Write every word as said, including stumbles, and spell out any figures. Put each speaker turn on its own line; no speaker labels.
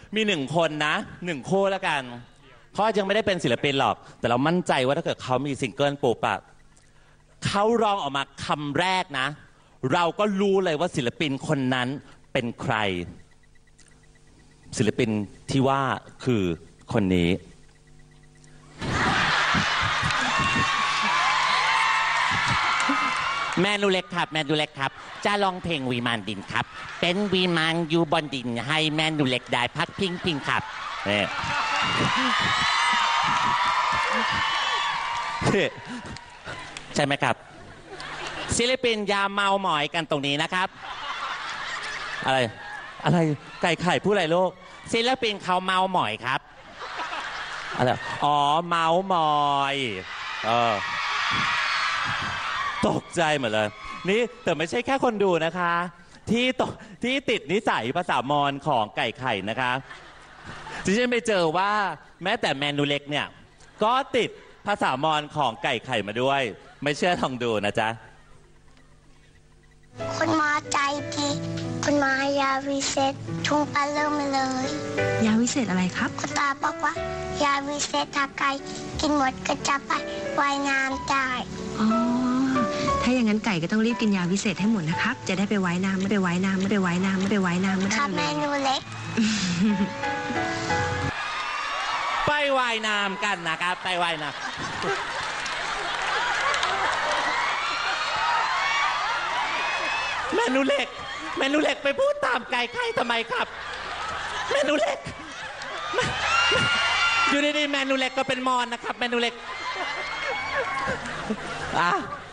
มีหนึ่งคนนะหนึ่งคู่แล้วกันเขายังไม่ได้เป็นศิลปินหรอกแต่เรามั่นใจว่าถ้าเกิดเขามีซิงเกิลปุ๊บอะเขาร้องออกมาคำแรกนะเราก็รู้เลยว่าศิลปินคนนั้นเป็นใครศิลปินที่ว่าคือคนนี้แมนูเล็กครับแมนูเล็กครับจะลองเพลงวีมานดินครับเป็นวีมานอยู่บนดินให้แมนูเล็กได้พักพิงพิงครับเนี่ยใช่ไหมครับศิลปินยาเมาหมอยกันตรงนี้นะครับอะไรอะไรไก่ไข่พูดอะไรลูกศิลปินเขาเมาหมอยครับอะไรอ๋อเมาหมอยเออตกใจหมดเลยนี่แต่ไม่ใช่แค่คนดูนะคะที่ตที่ติดนิสัยภาษามอญของไก่ไข่นะคะที่ฉันไปเจอว่าแม้แต่แมนูเล็กเนี่ยก็ติดภาษามอญของไก่ไข่มาด้วยไม่เชื่อลองดูนะจ๊ะ
คุณมาใจดีคุณมายาวิเศษทุ่งปลาเริ่มเลย
ยาวิเศษอะไรครับ
คุณตาบอกว่ายาวิเศษถ้าไก่กินหมดก็จะไปว่ายน้ำได้
อ๋อถ้าอย่างนั้นไก่ก็ต้องรีบกินยาวิเศษให้หมดนะครับจะได้ไปว่ายน้ำไม่ไปว่ายน้ำไม่ไปว่ายน้ำไม่ไปว่ายน้ำไม่ได้
ค่ะเมนูเล็ก
ไปว่ายน้ำกันนะครับไปว่ายน้ำเมนูเล็กเมนูเล็กไปพูดตามไก่ไข่ทำไมครับเมนูเล็กอยู่ดีๆเมนูเล็กก็เป็นมอนนะครับเมนูเล็กอ่ะ